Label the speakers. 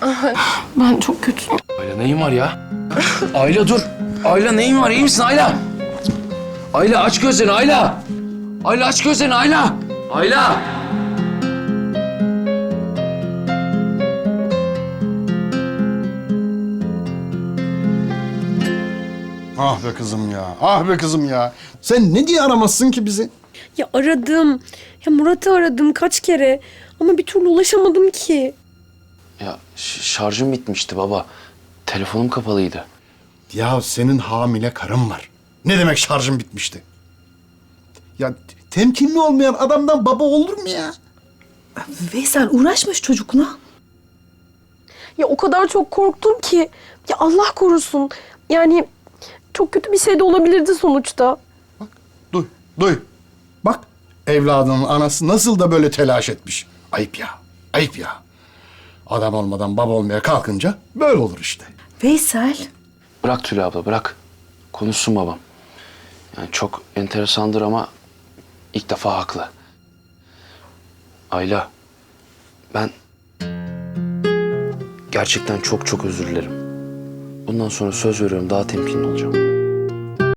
Speaker 1: Ben çok kötüyüm.
Speaker 2: Ayla neyin var ya? Ayla dur. Ayla neyin var? İyi misin Ayla? Ayla aç gözlerini Ayla. Ayla aç gözlerini Ayla. Ayla.
Speaker 3: Ah be kızım ya, ah be kızım ya. Sen ne diye aramazsın ki bizi?
Speaker 1: Ya aradım. Ya Murat'ı aradım kaç kere. Ama bir türlü ulaşamadım ki.
Speaker 2: Ya şarjım bitmişti baba. Telefonum kapalıydı.
Speaker 3: Ya senin hamile karın var. Ne demek şarjın bitmişti? Ya temkinli olmayan adamdan baba olur mu ya?
Speaker 4: Veysel uğraşmış çocukla.
Speaker 1: Ya o kadar çok korktum ki. Ya Allah korusun. Yani çok kötü bir şey de olabilirdi sonuçta.
Speaker 3: Duy, duy. Bak evladının anası nasıl da böyle telaş etmiş. Ayıp ya, ayıp ya. Adam olmadan baba olmaya kalkınca böyle olur işte.
Speaker 4: Veysel.
Speaker 2: Bırak Tülay abla bırak. Konuşsun babam. Yani çok enteresandır ama ilk defa haklı. Ayla, ben gerçekten çok çok özür dilerim. Bundan sonra söz veriyorum daha temkinli olacağım.